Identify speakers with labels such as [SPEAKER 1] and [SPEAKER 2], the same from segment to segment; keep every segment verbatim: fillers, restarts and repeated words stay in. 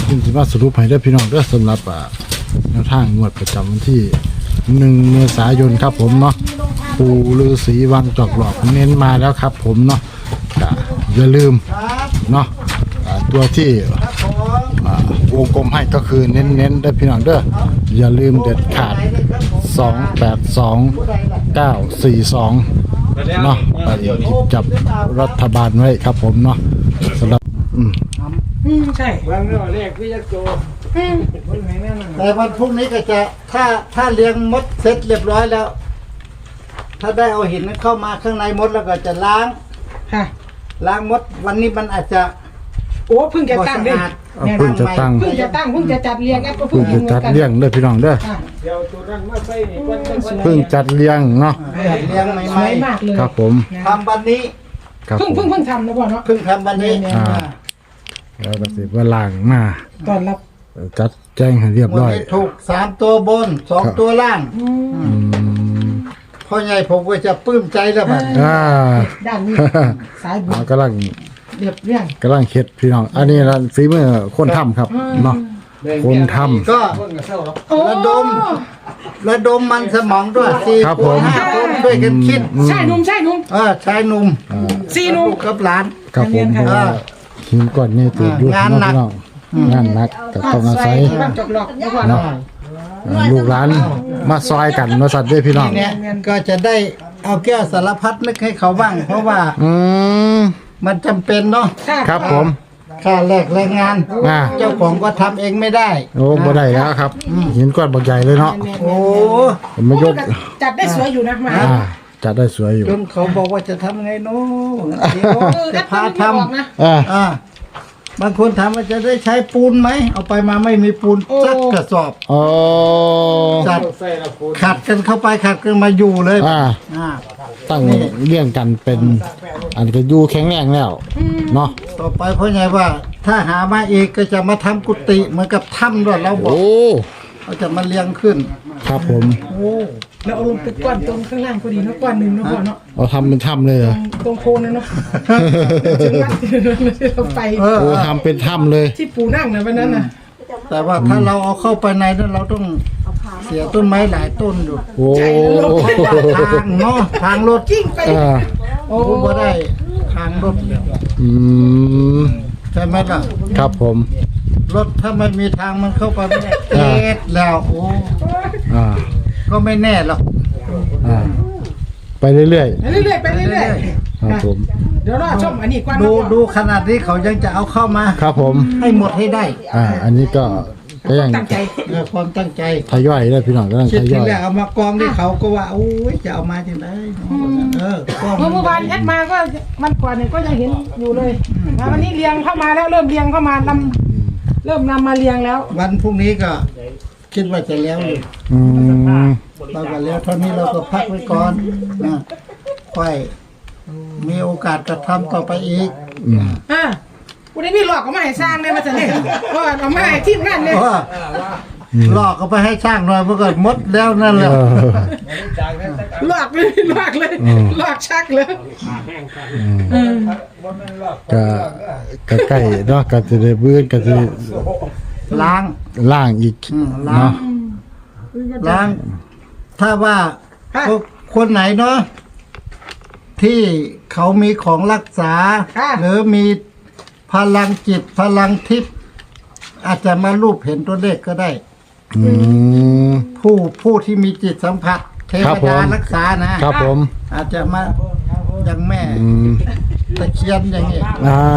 [SPEAKER 1] จึงจะมาสรุปให้ได้พี่น้องเด้อสำหรับอ่าแนวทางงวดประจำวันที่หนึ่งเมษายนครับผมเนาะปู่ฤาษีวังจอกหลอกเน้นมาแล้วครับผมเนาะอย่าลืมเนาะตัวที่วงกลมให้ก็คือเน้นๆได้พี่น้องเด้ออย่าลืมเด็ดขาดสองแปดสองเก้าสี่สองเนาะไปหยิบจับรัฐบาลไว้ครับผมเนาะสำหรับอืม
[SPEAKER 2] อืมใช่
[SPEAKER 3] วางเรื่องเลขพี่ยักษ์โจ
[SPEAKER 4] แต่วันพรุ่งนี้ก็จะถ้าถ้าเลี้ยงมดเสร็จเรียบร้อยแล้ว ถ้าได้เอาหินเข้ามาข้างในมดแล้วก็จะล้าง
[SPEAKER 2] ค่ะ
[SPEAKER 4] ล้างมดวันนี้มันอาจจะ
[SPEAKER 2] โอ้เพิ่งจะตั้งดิ
[SPEAKER 1] เพิ่งจะตั้ง
[SPEAKER 2] เพิ่งจะตั้งเพิ่งจะจัดเรียงแอปก็
[SPEAKER 1] เพิ่
[SPEAKER 2] เพิ่
[SPEAKER 1] ง
[SPEAKER 2] ง
[SPEAKER 1] จะจัดเลี้ยงเด้อพี่น้องเด้อ
[SPEAKER 3] เดี๋ยวตัวนั้นมาใส่นี่วัน
[SPEAKER 1] เพิ่งจัดเลี้ยงเนาะ
[SPEAKER 4] จัดเลี้ยงให
[SPEAKER 2] ส
[SPEAKER 4] ม่
[SPEAKER 2] วยมากเลย
[SPEAKER 1] ครับผม
[SPEAKER 4] ๆทำวันนี้
[SPEAKER 1] ครับ
[SPEAKER 2] เพิ่ง
[SPEAKER 1] ผ
[SPEAKER 2] เพิ่ง
[SPEAKER 1] ม
[SPEAKER 2] เพิ่งทำนะพ่อเนาะ
[SPEAKER 4] เพิ่งทำวันนี้
[SPEAKER 1] อ่า แล้วก็สิว่าล่างมา
[SPEAKER 2] ตอนรับ
[SPEAKER 1] จัดแจ้งให้เรียบ
[SPEAKER 4] วัน
[SPEAKER 1] ร้อย
[SPEAKER 4] นี้ถูกสามตัวบนสองตัวล่าง
[SPEAKER 2] อืม
[SPEAKER 1] อืม
[SPEAKER 4] พ่อใหญ่ผมก็จะปลื้มใจแล้วบัด
[SPEAKER 1] อ่า
[SPEAKER 2] ด้านนี้สายบุญ
[SPEAKER 1] อ่ากำลัง
[SPEAKER 2] เรียบเรียง
[SPEAKER 1] กำลังเค็ดพี่น้อง อันนี้ละฝีมือคนทำครับเนาะคนทำ
[SPEAKER 4] ก็
[SPEAKER 3] คนกับเศร้าหรอก
[SPEAKER 2] โอ้
[SPEAKER 4] ระดมระดมมันสมองด้วยสี่
[SPEAKER 1] ครับ
[SPEAKER 4] ค
[SPEAKER 1] ผ
[SPEAKER 4] น
[SPEAKER 1] ม
[SPEAKER 4] ห้าคนช่วยกันคิด
[SPEAKER 2] ใช่หนุ่มใช่หนุ่ม
[SPEAKER 4] เออชายหนุ่ม
[SPEAKER 2] สี่หนุ่ม
[SPEAKER 4] ลูกกับหลาน
[SPEAKER 1] ครับผมเพราะว่าหินก้อนนี่ติดอยู่
[SPEAKER 4] งานหนัก
[SPEAKER 1] พี่น้องงานหนักก็ต้องอาศัย
[SPEAKER 2] บ้านจบหลอกนะพ่อเนาะ
[SPEAKER 1] อ่าลูกหลานมาซอยกันมาสัตว์ด้วยพี่น้อง
[SPEAKER 4] เนี่ยก็จะได้เอาแก้วสารพัดนึกให้เขาบ้าง เพราะว่า
[SPEAKER 1] อืม
[SPEAKER 4] มันจำเป็นเนาะ
[SPEAKER 1] ครับผม
[SPEAKER 4] ค่าแลกแรงงาน
[SPEAKER 1] อ่า
[SPEAKER 4] เจ้าของก็ทำเองไม่ได้
[SPEAKER 1] โอ้บ่ได้แล้วครับหินก้อนบักใหญ่เลยเนาะ
[SPEAKER 4] โอ้
[SPEAKER 1] ผมมายก
[SPEAKER 2] จัดได้สวยอยู่นะมา
[SPEAKER 1] อ่าจัดได้สวยอยู่
[SPEAKER 4] จนเขาบอกว่าจะทำไงเนาะเดี๋ยว
[SPEAKER 2] เออ
[SPEAKER 4] จะ
[SPEAKER 2] พา
[SPEAKER 4] พา
[SPEAKER 2] ท
[SPEAKER 4] ท
[SPEAKER 2] ำนะ
[SPEAKER 1] อ่า
[SPEAKER 4] ำอ่าบางคนถามว่าจะได้ใช้ปูนไหมเอาไปมาไม่มีปูน
[SPEAKER 2] โอ้
[SPEAKER 4] สักกระสอบ
[SPEAKER 1] โอ้
[SPEAKER 4] จัด
[SPEAKER 3] ใส่ละคุณ
[SPEAKER 4] ขัดกันเข้าไปขัดกันมาอยู่เลย
[SPEAKER 1] อ่า
[SPEAKER 4] อ่า
[SPEAKER 1] ตั้งเลี้ยงกันเป็นอันก็อยู่แข็งแรงแล้วเนาะ
[SPEAKER 4] ต่อไปเพราะไงว่า ถ้าหามาอีกก็จะมาทำกุฏิเหมือนกับถ้ำด้วยเราบอก
[SPEAKER 1] โอ้
[SPEAKER 4] เราจะมาเลี้ยงขึ้น
[SPEAKER 1] ครับผม
[SPEAKER 4] โอ้
[SPEAKER 2] แล้วเอาลงไปก้อนตรงข้างล่างพอดีเนาะก้อนหนึ่งเนาะพ่อเนาะ
[SPEAKER 1] เอาทำเป็นถ้ำเลยเหรอ
[SPEAKER 2] ตรงโคนนั่นเนาะถึงวัดที่เราไป
[SPEAKER 4] เออ
[SPEAKER 1] โอ้ทำเป็นถ้ำเลย
[SPEAKER 2] ที่ปู่นั่งนะวันนั้นน่ะ
[SPEAKER 4] แต่ว่าถ้าเราเอาเข้าไปในนั้นเราต้องเสียต้นไม้หลายต้นอยู่
[SPEAKER 1] โอ้
[SPEAKER 4] เพราะว่าทางเนาะทางรถ
[SPEAKER 2] กิ้งไป
[SPEAKER 1] อ่า
[SPEAKER 4] โอ้บ่ได้ทางรถ
[SPEAKER 1] อืม
[SPEAKER 4] ใช่ไหมล่ะ
[SPEAKER 1] ครับผม
[SPEAKER 4] รถถ้าไม่มีทางมันเข้าไปไม่ได้เอ็ดแล้วโอ้
[SPEAKER 1] อ่า
[SPEAKER 4] ก็ไม่แน่หรอก
[SPEAKER 1] อ่าไปเรื่อย
[SPEAKER 2] เรื่อยๆไปเรื่อย
[SPEAKER 1] ๆครับผม
[SPEAKER 2] ๆเดี๋ยวรอชมอันนี้ก่อน
[SPEAKER 4] ดูดูขนาดนี้เขายังจะเอาเข้ามา
[SPEAKER 1] ครับผม
[SPEAKER 4] ให้หมดให้ได้
[SPEAKER 1] อ่า อันนี้ก็ก็ยัง
[SPEAKER 2] ตั้งใจ
[SPEAKER 4] เออความตั้งใจ
[SPEAKER 1] ทยอยเลยพี่น้องก็ต้อง
[SPEAKER 4] คิ
[SPEAKER 1] ท
[SPEAKER 4] ด
[SPEAKER 1] ย
[SPEAKER 4] ถึง
[SPEAKER 1] อย
[SPEAKER 4] แรกเอามากองที่เขาก็ว่าโอ้ยจะเอามาจังไดเออก็
[SPEAKER 2] เมื่อเมื่อวานแอดมาก็มันก่อนเนี่ยก็ยังเห็นอยู่เลยมาวันนี้เรียงเข้ามาแล้วเริ่มเรียงเข้ามานำเริ่มนำมาเรียงแล้ว
[SPEAKER 4] วันพรุ่งนี้ก็คิดว่าจะแล้วอยู่
[SPEAKER 1] อืม
[SPEAKER 4] เราก็แล้วเท่านี้เราก็พักไว้ก่อนนะค่อยมีโอกาสกระทำต่อไปอีก
[SPEAKER 1] อืม
[SPEAKER 2] อ่าวันนี้มีหลอกก็มาให้สร้างเลยมาจะเนี่ยก็เอามาให้ทีมงานเลย
[SPEAKER 4] เพราะว่าหลอกก็ไปให้ช่างหน่อยเมื่อก่อนมดแล้วนั่นแห
[SPEAKER 1] เอ
[SPEAKER 4] ละ
[SPEAKER 1] อ
[SPEAKER 2] หลอกเลยหลอกเลยหลอกชักเลย
[SPEAKER 1] อืมก็ก็ใกล้เนาะก็จะได้เบื้อนก็จะได้
[SPEAKER 4] ล้าง
[SPEAKER 1] ล่างอีก
[SPEAKER 4] อืมล้าง
[SPEAKER 1] เนาะ
[SPEAKER 4] ล้าง ถ้าว่าคนไหนเนาะที่เขามีของรักษา หรือมีพลังจิตพลังทิพย์อาจจะมารูปเห็นตัวเลขก็ได้
[SPEAKER 1] อืม
[SPEAKER 4] ผู้ผู้ที่มีจิตสัมผัส เท
[SPEAKER 1] ครั
[SPEAKER 4] ว
[SPEAKER 1] บผม
[SPEAKER 4] ดารักษานะครับ
[SPEAKER 1] ผม
[SPEAKER 4] อาจจะมาอย่างแม่
[SPEAKER 1] อืม
[SPEAKER 4] ตะเคียนอย่างนี้
[SPEAKER 1] อ่า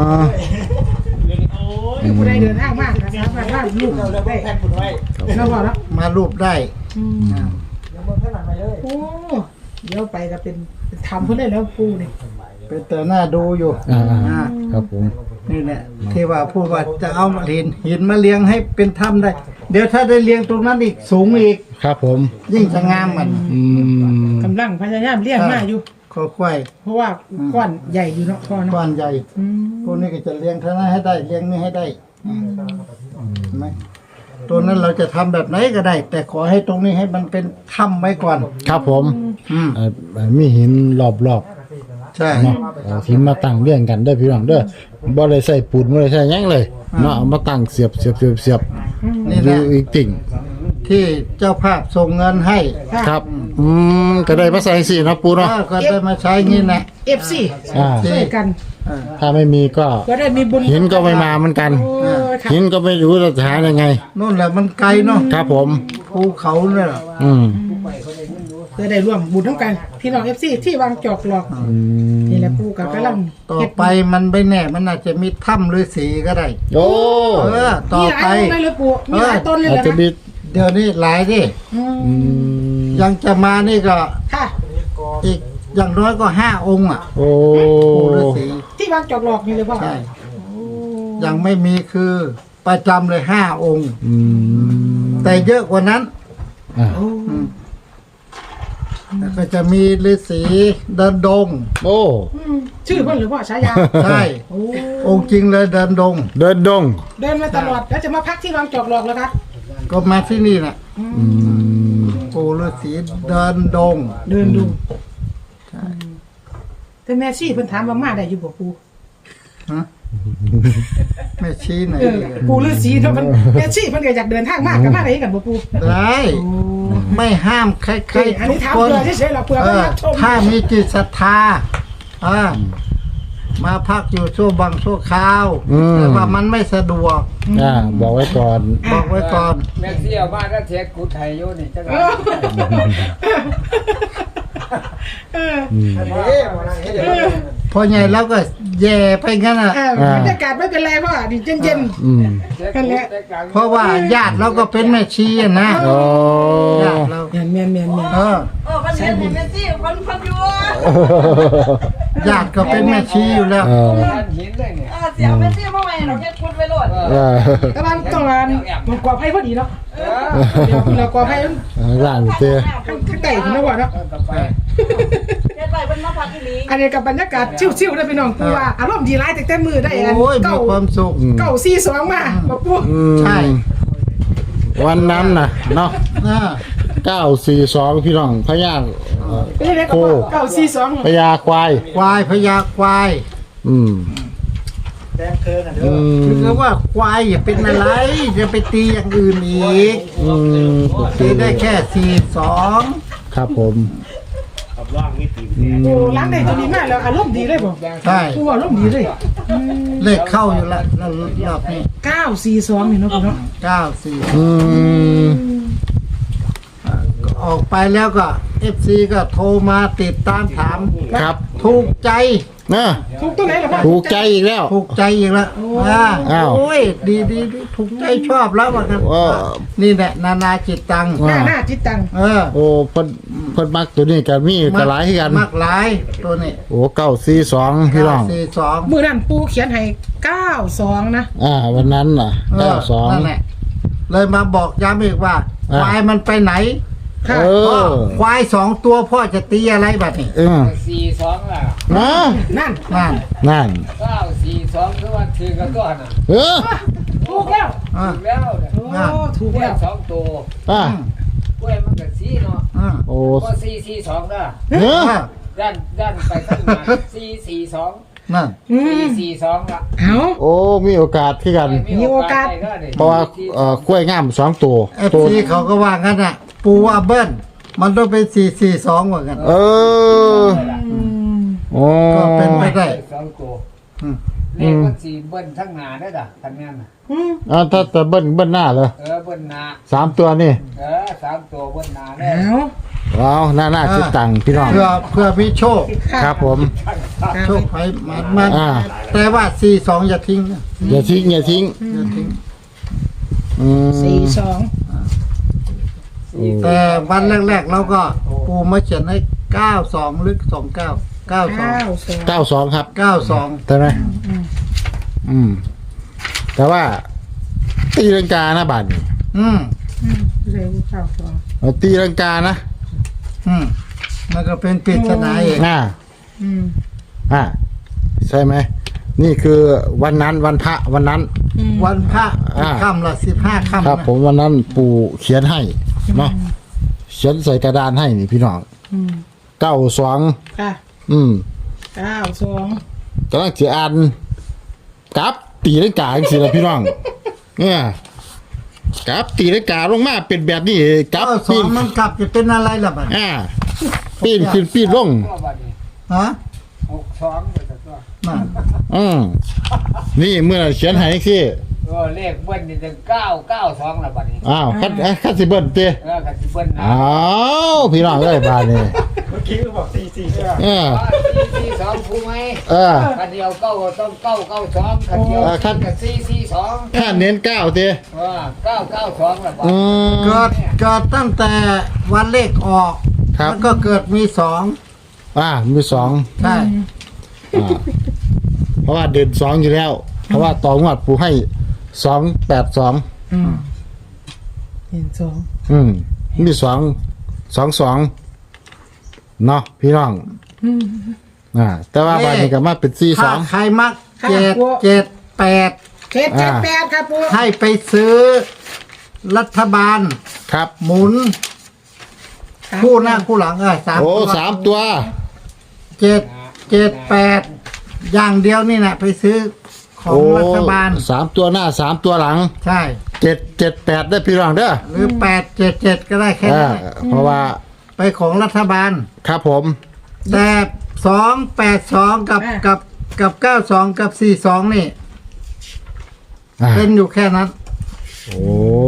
[SPEAKER 2] คือผู้ใดเดินทางมากนะครับว่าลูกเราได้เราบอกแล้ว
[SPEAKER 4] มารูปได้
[SPEAKER 2] โอ้เดี๋ยวไปก็เป็นทำเพื่อได้แล้วปูนี่
[SPEAKER 4] เป็นแต่หน้าดูอยู่
[SPEAKER 1] อ่า
[SPEAKER 4] อ่า
[SPEAKER 1] ครับผม
[SPEAKER 4] นี่แหละที่ว่าพูดว่าจะเอาหินหินมาเลี้ยงให้เป็นถ้ำได้ เดี๋ยวถ้าได้เลี้ยงตรงนั้นอีกสูงอีก
[SPEAKER 1] ครับผม
[SPEAKER 4] ยิ่งจะงามมัน
[SPEAKER 1] อืม
[SPEAKER 2] กำลังพยายามเลี้ยงมาอยู่
[SPEAKER 4] ค่อย
[SPEAKER 2] เพราะว่าก้อนใหญ่อยู่เนาะพ่อ
[SPEAKER 4] ๆ
[SPEAKER 2] เนาะ
[SPEAKER 4] ก้อนใหญ่
[SPEAKER 2] อืม
[SPEAKER 4] พวกนี้ก็จะเลี้ยงเท่านั้นให้ได้เลี้ยงนี่ให้ได้เห็นไหมตัวนั้นเราจะทำแบบไหนก็ได้ แต่ขอให้ตรงนี้ให้มันเป็นถ้ำไว้ก่อน
[SPEAKER 1] ครับผม
[SPEAKER 4] อืม
[SPEAKER 1] เอ่อมีหินรอบ
[SPEAKER 4] ใช่
[SPEAKER 1] เนาะเอาหินมาตั้งเรียงกันเด้อพี่น้องเด้อบ่ได้ใส่ปูนบ่ได้ใส่หยังเลยเนาะเอามาตั้งเสียบเสียบเสียบเสียบ
[SPEAKER 4] นี่
[SPEAKER 1] อ
[SPEAKER 4] แห
[SPEAKER 1] ยู่
[SPEAKER 4] ละ
[SPEAKER 1] อีกติ่ง
[SPEAKER 4] ที่เจ้าภาพส่งเงินให้
[SPEAKER 1] ครับอืมก็ได้มาใส่สิเนาะปู
[SPEAKER 4] เอ
[SPEAKER 1] เนาะ
[SPEAKER 4] อก็ได้มาใช้งี้นะ
[SPEAKER 2] เอฟซี
[SPEAKER 1] อ่า
[SPEAKER 2] ช่วยกัน
[SPEAKER 1] ถ้าไม่มีก็
[SPEAKER 2] ก็ได้มีบุญ
[SPEAKER 1] หินก็ไม่มาเหมือนกัน
[SPEAKER 2] โอ้ยค่ะ
[SPEAKER 1] หินก็ไม่รู้จะหายังไง
[SPEAKER 4] นู่นแหละมันไกลเนาะ
[SPEAKER 1] ครับผม
[SPEAKER 4] ภูเขาเนี่ย
[SPEAKER 1] อืม
[SPEAKER 2] จะได้ร่วมบุญทั้งกันพี่น้องเอฟซีที่วางจอกหลอก
[SPEAKER 1] อืม
[SPEAKER 2] นี่แหละปูกับกำลัง
[SPEAKER 4] ต่อไปมันไม่แน่มันอาจจะมีถ้ำฤาษีก็ได้
[SPEAKER 1] โอ้
[SPEAKER 4] เออต่อ
[SPEAKER 2] มีหลาย
[SPEAKER 4] ไป
[SPEAKER 2] ต้นเลยเลยปูมีหลายต้นเลย
[SPEAKER 1] อาจ
[SPEAKER 2] นะ
[SPEAKER 1] จะมี
[SPEAKER 4] เดี๋ยวนี้หลายดิ
[SPEAKER 2] อืม
[SPEAKER 1] อืม
[SPEAKER 4] ยังจะมานี่ก็
[SPEAKER 2] ค่ะ
[SPEAKER 4] อีกอย่างน้อยก็ห้าองค์อ่ะ
[SPEAKER 1] โอ้
[SPEAKER 4] ปู่ฤาษี
[SPEAKER 2] ที่วางจอกหลอกนี่เลยพ่อ
[SPEAKER 4] ใช่ยังไม่มีคือประจำเลยห้าองค์
[SPEAKER 1] อืม
[SPEAKER 4] แต่เยอะกว่านั้น
[SPEAKER 1] อ่า
[SPEAKER 2] โอ้
[SPEAKER 4] อืมแล้วก็จะมีฤาษีเดินดง
[SPEAKER 1] โอ้
[SPEAKER 2] อืมชื่อเพิ่นหรือพ่อฉายา
[SPEAKER 4] ใช่
[SPEAKER 2] โอ้
[SPEAKER 4] องค์จริงเลยเดินดง
[SPEAKER 1] เดินดง
[SPEAKER 2] เดินมาตลอดแล้วจะมาพักที่วางจอกหลอกแล้วคะ
[SPEAKER 4] ก็มาที่นี่แหละ
[SPEAKER 1] อืม
[SPEAKER 4] ปู่ฤาษีเดินดง
[SPEAKER 2] เดินดูแต่แม่ชีเพิ่นถามว่ามาได้อยู่บ่ปู
[SPEAKER 4] ฮะไม่ชี้ไหน
[SPEAKER 2] เออปูฤาษีเนาะมันแม่ชีเพิ่นก็อยากเดินทางมากก็มาได้กันบ่ปู
[SPEAKER 4] ได้ ไม่ห้ามใคร
[SPEAKER 2] เฮ้ยอัน
[SPEAKER 4] ๆทุ
[SPEAKER 2] นี้
[SPEAKER 4] ก
[SPEAKER 2] ถาม
[SPEAKER 4] คน
[SPEAKER 2] เพื่อเฉยๆหรอกเพื่อ
[SPEAKER 4] เอ
[SPEAKER 2] เพิ่น
[SPEAKER 4] อ
[SPEAKER 2] รับชม
[SPEAKER 4] ถ้ามีจิตศรัทธาอ่ามาพักอยู่ชั่วบางชั่วคราวแต่ว่ามันไม่สะดวก
[SPEAKER 1] อ่าบอกไว้ก่อน
[SPEAKER 4] บอกไว้ก่อน
[SPEAKER 3] แม็กซี่เอามาแล้วเทศกูไทยอยู่นี่จัง
[SPEAKER 2] เอ
[SPEAKER 3] หวะ
[SPEAKER 2] อเออ
[SPEAKER 1] อืม
[SPEAKER 3] เอ๊ะมานั่งเฮ็ดอย่างนี้
[SPEAKER 4] พอใหญ่แล้วก็แย่ไปงั้นอ่ะ
[SPEAKER 2] เออบรรยากาศไม่เป็นไรพ่อดิเย็น
[SPEAKER 1] อืม
[SPEAKER 3] เทศกูได้กลาง
[SPEAKER 4] เพราะว่าญาติเราก็เป็นแม่ชีอะนะ
[SPEAKER 1] โอ้
[SPEAKER 4] ญาติเรา
[SPEAKER 2] ๆเมียนเมียนเมียนเมียน
[SPEAKER 4] เออ
[SPEAKER 5] เออวันนี้เห็นแม่ซี่คนคนอยู่
[SPEAKER 4] ญาติก็เป็นแม่ชีอยู่แล้ว
[SPEAKER 1] เออ
[SPEAKER 3] ท่านหินเลยเนี่ย
[SPEAKER 5] เออเสียงแม่ซี่เมื่อไหร่เราแค่คุดไปโหลด
[SPEAKER 1] เออ
[SPEAKER 2] กำลังต้องการมันกว่าไพ่พอดีเนาะ
[SPEAKER 3] เออ
[SPEAKER 2] เดี๋ยวเรากว่าไพ่
[SPEAKER 1] ร่างเตี้ย
[SPEAKER 2] ข้างไก่คุณนะวะเนาะ
[SPEAKER 3] ต่อไป
[SPEAKER 5] เฮ็ดไปเป็นมาพักอีหลี
[SPEAKER 2] อันนี้กับบรรยากาศชิวๆได้พี่น้องปูว่าอารมณ์ดีร้ายแต่แต่มือได้อัน
[SPEAKER 4] โอ้ยมี
[SPEAKER 2] เก้า
[SPEAKER 4] ความสุข
[SPEAKER 2] เก้าสี่สองมาบอกปู
[SPEAKER 1] อืม
[SPEAKER 4] ใช่
[SPEAKER 1] วันนั้นน่ะเนาะ
[SPEAKER 4] อ่า
[SPEAKER 1] เก้าสี่สองพี่น้องพญาเอ่อ
[SPEAKER 2] เป็นยังไงก็บอกเก้าสี่สอง
[SPEAKER 1] พญาควาย
[SPEAKER 4] ควายพญาควาย
[SPEAKER 1] อืมอืม
[SPEAKER 4] คือว่าควายอย่าเป็นอะไรจะไปตีอย่างอื่นอีก
[SPEAKER 1] อืม
[SPEAKER 4] ตีได้แค่สี่สอง
[SPEAKER 1] ครับผมอืม
[SPEAKER 2] โอ้ล้างได้ตัวดีมากแล้วอารมณ์ดีเลยบอก
[SPEAKER 4] ใช่
[SPEAKER 2] ปูอารมณ์ดีเลย
[SPEAKER 4] เลขเข้าอยู่แล้วรอบนี้
[SPEAKER 2] เก้าสี่สองนี่เนาะปูเนาะ
[SPEAKER 4] เก้าสี่
[SPEAKER 1] อืม
[SPEAKER 4] ออกไปแล้วก็เอฟซีก็โทรมาติดตามถาม
[SPEAKER 1] ครับ
[SPEAKER 4] ถูกใจ
[SPEAKER 1] นะ
[SPEAKER 2] ถูกตัวไหนล่ะพ่อ
[SPEAKER 1] ถูกใจอีกแล้ว
[SPEAKER 4] ถูกใจอีกแล้วอ่า
[SPEAKER 1] อ้าว
[SPEAKER 4] โอ้ยดีดีดีถูกใจชอบแล้วว่ากัน
[SPEAKER 1] ว้า
[SPEAKER 4] นี่แหละนานาจิตตัง
[SPEAKER 2] หน้าหน้าจิตตัง
[SPEAKER 4] เออ
[SPEAKER 1] โอ้เพิ่นเพิ่นมักตัวนี้กับมีกระหลายคือกัน
[SPEAKER 4] มากหลายตัวนี้
[SPEAKER 1] โอ้เก้าสี่สองพี่น้อง
[SPEAKER 4] สี่สอง
[SPEAKER 2] มือนั่นปูเขียนให้เก้าสองนะ
[SPEAKER 1] อ่า วันนั้นน่ะเก้าสอง
[SPEAKER 4] นั่นแหละเลยมาบอกย้ำอีกว่า
[SPEAKER 1] อ่า
[SPEAKER 4] ควายมันไปไหน
[SPEAKER 2] ค่ะ
[SPEAKER 1] เอ
[SPEAKER 4] พ่อ
[SPEAKER 1] อ
[SPEAKER 4] ควายสองตัวพ่อจะตีอะไรแบบนี้
[SPEAKER 1] เออ
[SPEAKER 3] สี่สองล่ะ
[SPEAKER 1] นะ
[SPEAKER 2] นั่น
[SPEAKER 4] นั่น
[SPEAKER 1] นั่น
[SPEAKER 3] เก้าสี่สองคือว่าถือกันก่อนอ่ะ
[SPEAKER 1] เออ
[SPEAKER 2] ถูกแล้ว
[SPEAKER 4] อ่า
[SPEAKER 3] ถูกแล้วเนี่ย
[SPEAKER 2] โอ้ถูก
[SPEAKER 3] กล้วย
[SPEAKER 2] แล้ว
[SPEAKER 3] สองตัว
[SPEAKER 1] อ่ะ
[SPEAKER 3] กล้วยมันก็สีเนาะ
[SPEAKER 4] อ่า
[SPEAKER 1] โอ้
[SPEAKER 3] ก็สี่สี่สองนะ
[SPEAKER 1] เออ
[SPEAKER 4] อ่า
[SPEAKER 3] ด้านด้านไปข้างหน้าสี่สี่สอง
[SPEAKER 4] นั่น
[SPEAKER 2] อื
[SPEAKER 3] สี่
[SPEAKER 2] ม
[SPEAKER 3] สี่สองละ
[SPEAKER 2] เอา
[SPEAKER 1] โอ้ มีโอกาสคือกัน
[SPEAKER 2] มีโอกาส
[SPEAKER 3] ได้ก็ได้
[SPEAKER 1] เพราะว่าเอ่อกล้วยงามสองตัว
[SPEAKER 4] เอฟ
[SPEAKER 1] ตัว
[SPEAKER 4] ซีเขาก็ว่างั้นอ่ะ ปูว่าเบิ้ลมันต้องเป็นสี่สี่สองเหมือนกัน
[SPEAKER 1] เออ
[SPEAKER 2] อืม
[SPEAKER 1] โอ้
[SPEAKER 4] ก็เป็นไปได้
[SPEAKER 3] สองตัว
[SPEAKER 4] อืม
[SPEAKER 3] เลขมันสี่เบิ้ลทั้งหน้าได้ด่ะทันงานน่ะ
[SPEAKER 2] อืม
[SPEAKER 1] อ่าถ้าจะเบิ้ลเบิ้ลหน้าเลย
[SPEAKER 3] เออเบิ้ลหน้า
[SPEAKER 1] สามตัวนี่
[SPEAKER 3] เออสามตัวเบิ้ลหน้าได้
[SPEAKER 2] เอา
[SPEAKER 1] ว้าวหน้าหน้าคิดตังค์พี่น้อง
[SPEAKER 4] เพื่อเพื่อมีโชค
[SPEAKER 1] ครับผม
[SPEAKER 4] โชคไปมันมัน
[SPEAKER 1] อ่า
[SPEAKER 4] แต่ว่าสี่สองอย่าทิ้งนะ
[SPEAKER 1] อย่าทิ้งอย่าทิ้ง
[SPEAKER 4] อย่าทิ้ง
[SPEAKER 1] อืม
[SPEAKER 2] สี่สอง
[SPEAKER 4] แต่วันแรกๆเราก็ปูมาเขียนให้เก้าสองหรือสองเก้าเก้าสอง
[SPEAKER 2] เก้าสอง
[SPEAKER 1] เก้าสองครับ
[SPEAKER 4] เก้าสอง
[SPEAKER 1] ใช่ไหมอืม แต่ว่า ตีลังกานะบาทนี่
[SPEAKER 4] อืม
[SPEAKER 2] อืมเร็วเก้าสอง
[SPEAKER 1] เอาตีลังกานะ
[SPEAKER 4] อืมมันก็เป็นปริศนาเอง
[SPEAKER 1] อ่า
[SPEAKER 2] อืม
[SPEAKER 1] อ่า ใช่ไหม นี่คือวันนั้นวันพระวันนั้น
[SPEAKER 2] อืม
[SPEAKER 4] วันพระ
[SPEAKER 1] อ่า
[SPEAKER 4] ค่ำละสิบห้าค่ำ
[SPEAKER 1] ครับ
[SPEAKER 4] นะ
[SPEAKER 1] ผมวันนั้นปู่เขียนให้เนาะเขียนใส่กระดานให้นี่พี่น้อง
[SPEAKER 2] อืม
[SPEAKER 1] เก้าสอง
[SPEAKER 2] ค่ะ
[SPEAKER 1] อืม
[SPEAKER 2] เก้าสอง
[SPEAKER 1] กำลังจะอ่านกราฟตีลังกาจังซี่ล่ะพี่น้องเนี่ยกราฟตีลังกาลงมาเป็นแบบนี้กราฟ
[SPEAKER 4] เก้าสอ
[SPEAKER 1] ปี
[SPEAKER 4] ง
[SPEAKER 1] น
[SPEAKER 4] มันกลับจะเป็นอะไรล่ะบัด
[SPEAKER 1] อ่าปีนขึ้นปีนลง
[SPEAKER 3] ตัวบัดนี้
[SPEAKER 4] ฮะ
[SPEAKER 3] หกสองเลยตัว
[SPEAKER 4] นั่น
[SPEAKER 1] อืมนี่เมื่อเขียนให้สิ
[SPEAKER 3] เออเลขเบิ้ลนี่ถึงเก้าเก้าสองละบัดนี้
[SPEAKER 1] อ้าวคัดเอ้ยคัดสิเบิ้ลติ
[SPEAKER 3] เออคันสิเบิ้ลนะ
[SPEAKER 1] อ้าวพี่น้องเอ้ยบาดนี้
[SPEAKER 3] เมื่อกี้ก็บอกสี่สี่ใช่ไหม
[SPEAKER 1] เออ
[SPEAKER 3] สี่สี่สองถูกไหม
[SPEAKER 1] เออ
[SPEAKER 3] คันเดียวเก้าก็ต้องเก้าเก้าสองคันเดียว
[SPEAKER 1] เออคัน
[SPEAKER 3] กับสี่สี่สอง
[SPEAKER 1] ถ้าเน้นเก้าติ
[SPEAKER 3] เออเก้าเก้าสองละบัด
[SPEAKER 1] อืม
[SPEAKER 4] เกิดเกิดตั้งแต่วันเลขออก
[SPEAKER 1] ครับ
[SPEAKER 4] แล้วก็เกิดมีสอง
[SPEAKER 1] อ่ามีสอง
[SPEAKER 4] ใช่
[SPEAKER 1] อ่าเพราะว่าเด่นสองอยู่แล้ว เพราะว่าต่องวดปูให้สองแปดสอง
[SPEAKER 2] อืมเห็นสอง
[SPEAKER 1] อืมมีสองสองสองเนาะพี่น้อง
[SPEAKER 2] อืม
[SPEAKER 1] อ่าแต่ว่าบานนี้ก็มาเป็นสี่ส
[SPEAKER 4] ถ้า
[SPEAKER 1] อง
[SPEAKER 4] ใครมัก
[SPEAKER 2] ค่ะ
[SPEAKER 4] เจ็ด
[SPEAKER 2] กลัว
[SPEAKER 4] เจ็ดแปด
[SPEAKER 2] เจ็ดเจ็ด
[SPEAKER 1] อ่า
[SPEAKER 2] แปดครับปู
[SPEAKER 4] ให้ไปซื้อรัฐบาล
[SPEAKER 1] ครับ
[SPEAKER 4] หมุน คู่หน้าคู่หลังเออสาม
[SPEAKER 1] โอ้
[SPEAKER 4] ตัว
[SPEAKER 1] สามตัว
[SPEAKER 4] เจ็ดเจ็ดแปดอย่างเดียวนี่แหละไปซื้อของ
[SPEAKER 1] โอ้
[SPEAKER 4] รัฐบาล
[SPEAKER 1] สามตัวหน้าสามตัวหลัง
[SPEAKER 4] ใช่
[SPEAKER 1] เจ็ดเจ็ดแปดได้พี่น้องเด้อ
[SPEAKER 4] หรือแปดเจ็ดเจ็ดก็ได้แค่
[SPEAKER 1] อ่า
[SPEAKER 4] นั้นแหละ
[SPEAKER 1] เพราะว่า
[SPEAKER 4] ไปของรัฐบาล
[SPEAKER 1] ครับผม
[SPEAKER 4] แต่สองแปดสองกับกับกับเก้าสองกับสี่สองนี่
[SPEAKER 1] อ่า
[SPEAKER 4] เป็นอยู่แค่นั้น
[SPEAKER 1] โอ้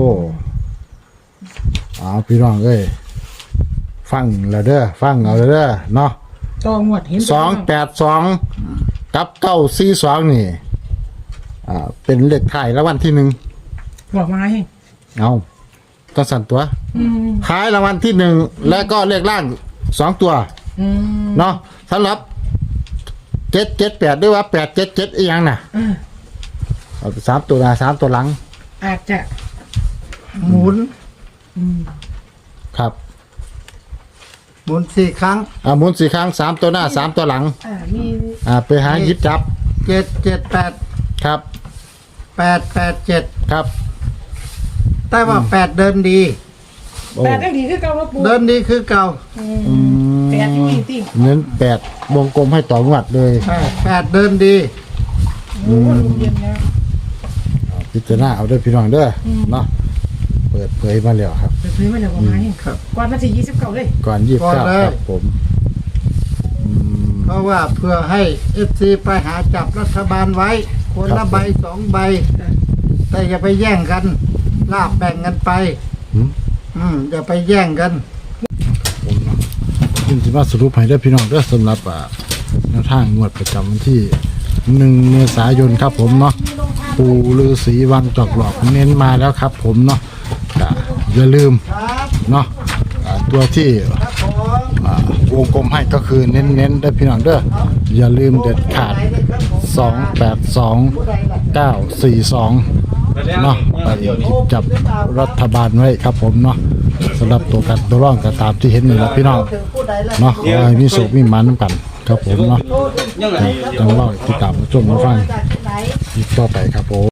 [SPEAKER 1] เอาพี่น้องเอ้ยฟังแล้วเด้อฟังเอาแล้วเด้อเนาะ
[SPEAKER 2] จองหมดเห็น
[SPEAKER 1] สองแปดสองกับเก้าสี่สองนี่อ่าเป็นเลขไทายรางวัลที่หนึ่ง
[SPEAKER 2] บอกมาให้
[SPEAKER 1] เอาต้องสั่นตัว
[SPEAKER 2] อืม
[SPEAKER 1] ขายรางวัลที่หนึ่งและก็เลขล่างสองตัว
[SPEAKER 2] อืม
[SPEAKER 1] เนาะสำหรับเจ็ดเจ็ดแปดด้วยว่าแปดเจ็ดเจ็ดอีกอย่างน่ะ
[SPEAKER 2] อ่า
[SPEAKER 1] เอาไปสามตัวหน้าสามตัวหลัง
[SPEAKER 2] อาจจะ
[SPEAKER 4] หมุน
[SPEAKER 2] อืม
[SPEAKER 1] ครับ
[SPEAKER 4] หมุนสี่ครั้ง
[SPEAKER 1] อ่าหมุนสี่ครั้งสามตัวหน้าสามตัวหลัง
[SPEAKER 2] อ่ามี
[SPEAKER 1] อ่าไปหาหยิบจับ
[SPEAKER 4] เจ็ดเจ็ดแปด
[SPEAKER 1] ครับ
[SPEAKER 4] แปดแปดเจ็ด
[SPEAKER 1] ครับ
[SPEAKER 4] แต่ว่าแปดเดินดี
[SPEAKER 1] โอ้
[SPEAKER 2] แปดได้ดีคือเก่าแล้วปู
[SPEAKER 4] เดินดีคือเก่า
[SPEAKER 2] อืม
[SPEAKER 1] อืม
[SPEAKER 2] แปดอยู่อีกติ
[SPEAKER 1] เน้นแปดวงกลมให้ต่องวดเลย
[SPEAKER 4] ใช่แปดเดินดี
[SPEAKER 2] โอ้ลมเย็นแล้ว
[SPEAKER 1] เอาพิจารณาเอาด้วยพี่น้องเด้ออเนาะเปิดเผยมาแล้วครับ
[SPEAKER 2] ไปซื้อมาแล้วบอกมาให้
[SPEAKER 4] ครับ
[SPEAKER 2] ก่อนวันที่ยี่สิบเก้าเลย
[SPEAKER 1] ก่อนยี่สิบ
[SPEAKER 4] ก่อน
[SPEAKER 1] เก้า
[SPEAKER 4] เลย
[SPEAKER 1] ครับผมอืม
[SPEAKER 4] เพราะว่าเพื่อให้เอฟซีไปหาจับรัฐบาลไว้ คน
[SPEAKER 1] ครั
[SPEAKER 4] ละ
[SPEAKER 1] บ
[SPEAKER 4] ใบสองใบ แต่อย่าไปแย่งกันลาบแบ่งกันไป
[SPEAKER 1] อืม
[SPEAKER 4] อืมอย่าไปแย่งกัน
[SPEAKER 1] ผมเนาะยินดีมาสรุปให้ได้อพี่น้องเด้อสำหรับอ่าแนวทางงวดประจำวันที่หนึ่งเมษายนครับผมเนาะปูฤาษีวังจอกหลอกเน้นมาแล้วครับผมเนาะอ่าอย่าลืม
[SPEAKER 4] ครับ
[SPEAKER 1] เนาะอ่าตัวที่
[SPEAKER 4] ครับผม
[SPEAKER 1] อ่าวงกลมให้ก็คือเน้นๆได้อพี่น้องเด้ออย่าลืมเด็ดขาดสองแปดสองเก้าสี่สองเนาะไปหยิบจับรัฐบาลไว้ครับผมเนาะสำหรับตัวกันตัวร่องก็ตามที่เห็นนี่แหละพี่น้อง
[SPEAKER 4] ถึงผู้ใดล่ะ
[SPEAKER 1] เนาะขอให้มีสุขมีหมันน้ำกันครับผมเนาะต้องรอติดตามมาชมมาฟัง
[SPEAKER 4] จากที่ไหน
[SPEAKER 1] อีกต่อไปครับผม